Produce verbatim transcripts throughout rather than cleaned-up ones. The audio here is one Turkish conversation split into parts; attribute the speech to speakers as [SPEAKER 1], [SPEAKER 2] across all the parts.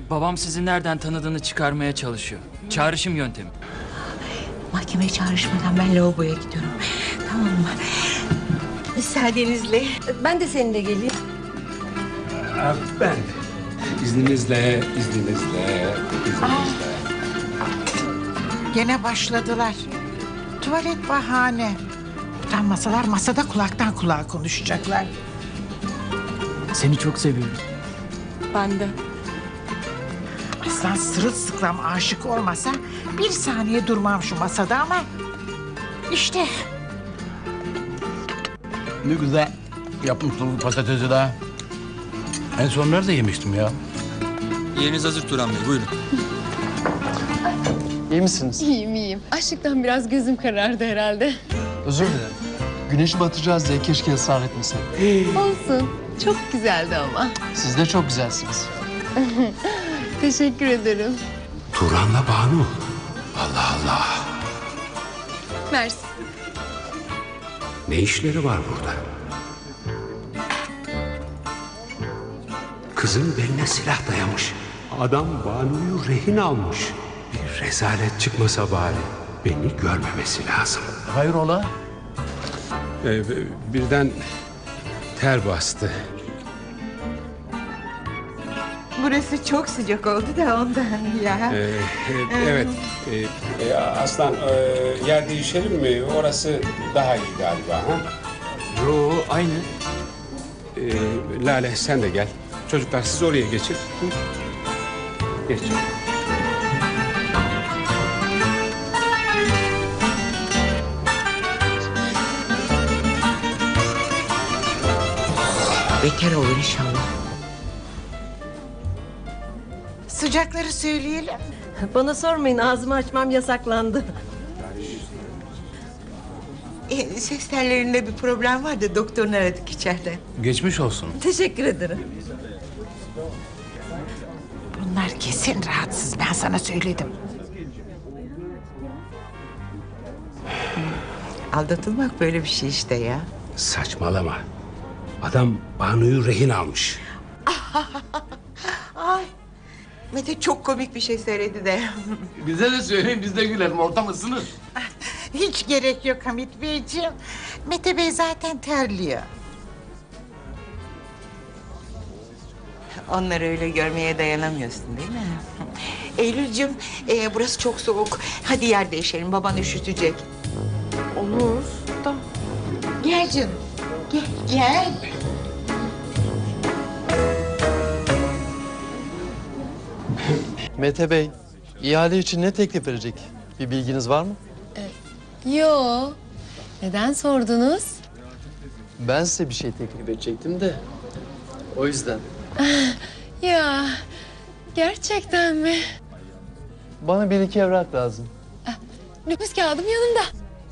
[SPEAKER 1] Babam sizi nereden tanıdığını çıkarmaya çalışıyor. Çağrışım yöntemi.
[SPEAKER 2] Mahkemeye çağrışmadan ben lavaboya gidiyorum. Tamam mı? Müsaadenizle.
[SPEAKER 3] Ben de seninle geleyim.
[SPEAKER 4] Ben de. İzninizle, izninizle, izninizle.
[SPEAKER 5] Gene başladılar. Tuvalet bahane. Utanmasalar masada kulaktan kulağa konuşacaklar.
[SPEAKER 1] Seni çok seviyorum.
[SPEAKER 3] Ben de.
[SPEAKER 5] Aslan sırılsıklam aşık olmasa bir saniye durmam şu masada ama... işte
[SPEAKER 6] Ne güzel yapmışsın patatesi de. En son nerede yemiştim ya?
[SPEAKER 7] Yeriniz hazır Turan Bey, buyurun.
[SPEAKER 8] İyi misiniz?
[SPEAKER 9] İyiyim iyiyim. Açlıktan biraz gözüm karardı herhalde.
[SPEAKER 8] Özür dilerim. Güneşi batıracağız diye keşke ısrar etmeseydim.
[SPEAKER 9] Olsun. Çok güzeldi ama.
[SPEAKER 8] Siz de çok güzelsiniz.
[SPEAKER 9] Teşekkür ederim.
[SPEAKER 4] Turan'la Banu. Allah Allah.
[SPEAKER 9] Mersi.
[SPEAKER 4] Ne işleri var burada? Kızın beline silah dayamış. Adam Banu'yu rehin almış. Bir rezalet çıkmasa bari. Beni görmemesi lazım.
[SPEAKER 6] Hayrola?
[SPEAKER 4] Ee, birden ter bastı.
[SPEAKER 2] Burası çok sıcak oldu da ondan ya.
[SPEAKER 4] Ee, e, evet. Ee, e, Aslan e, yer değişelim mi? Orası daha iyi galiba. Ha?
[SPEAKER 1] Yo, aynı.
[SPEAKER 4] Ee, Lale sen de gel. Çocuklar siz oraya geçin. Hı? Geç.
[SPEAKER 2] Beter olur inşallah.
[SPEAKER 5] sıcakları söyleyelim.
[SPEAKER 3] Bana sormayın, ağzımı açmam yasaklandı.
[SPEAKER 2] E, ses tellerinde bir problem var da doktorunu aradık içeriden.
[SPEAKER 6] Geçmiş olsun.
[SPEAKER 3] Teşekkür ederim.
[SPEAKER 5] Bunlar kesin rahatsız, ben sana söyledim.
[SPEAKER 2] Aldatılmak böyle bir şey işte ya.
[SPEAKER 4] Saçmalama. Adam Banu'yu rehin almış.
[SPEAKER 2] Ay. Mete çok komik bir şey söyledi de.
[SPEAKER 6] Bize de söyleyin, biz de gülelim. Ortam ısınır.
[SPEAKER 5] Hiç gerek yok Hamit Beyciğim. Mete Bey zaten terliyor.
[SPEAKER 2] Onları öyle görmeye dayanamıyorsun değil mi? Eylül'cüm, e, burası çok soğuk. Hadi yer değişelim, baban üşütecek.
[SPEAKER 3] Olur da.
[SPEAKER 5] Gel canım. Gel, gel.
[SPEAKER 8] Mete Bey, ihale için ne teklif verecek? Bir bilginiz var mı?
[SPEAKER 9] Yo. Neden sordunuz?
[SPEAKER 8] Ben size bir şey teklif edecektim de. O yüzden.
[SPEAKER 9] Ya. Gerçekten mi?
[SPEAKER 8] Bana bir iki evrak lazım.
[SPEAKER 9] Nüfus kağıdım yanımda.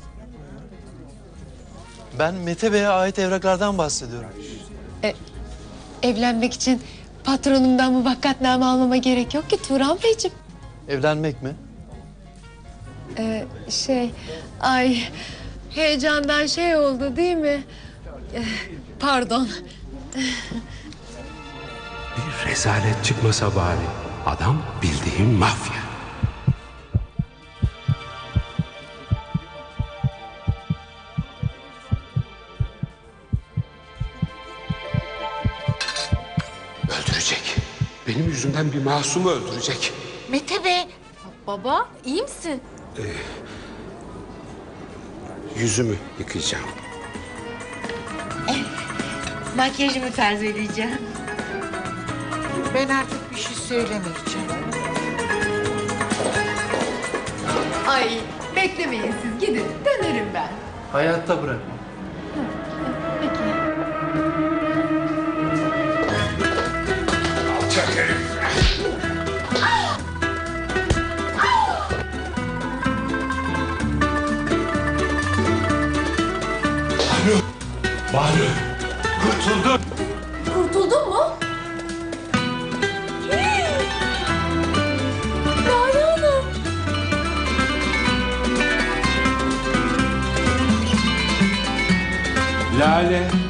[SPEAKER 8] Ben Mete Bey'e ait evraklardan bahsediyorum.
[SPEAKER 9] Evlenmek için patronumdan muvakkatname almama gerek yok ki Turan Beyciğim.
[SPEAKER 8] Evlenmek mi?
[SPEAKER 9] Ee, şey, ay heyecandan şey oldu değil mi? Ee, pardon.
[SPEAKER 4] Bir rezalet çıkmasa bari. Adam bildiğin mafya. Öldürecek. Benim yüzümden bir masumu öldürecek.
[SPEAKER 5] Mete Bey.
[SPEAKER 9] Baba, iyi misin?
[SPEAKER 4] Yüzümü yıkayacağım.
[SPEAKER 2] Makyajımı tazeleyeceğim.
[SPEAKER 5] Ben artık bir şey söylemeyeceğim.
[SPEAKER 9] Ay, beklemeyin siz gidin. Dönerim ben.
[SPEAKER 8] Hayatta bırakma.
[SPEAKER 9] Peki.
[SPEAKER 4] Alçak herif. Banu. Banu. Kurtuldum.
[SPEAKER 9] Kurtuldun mu? Lale Hanım.
[SPEAKER 4] Lale.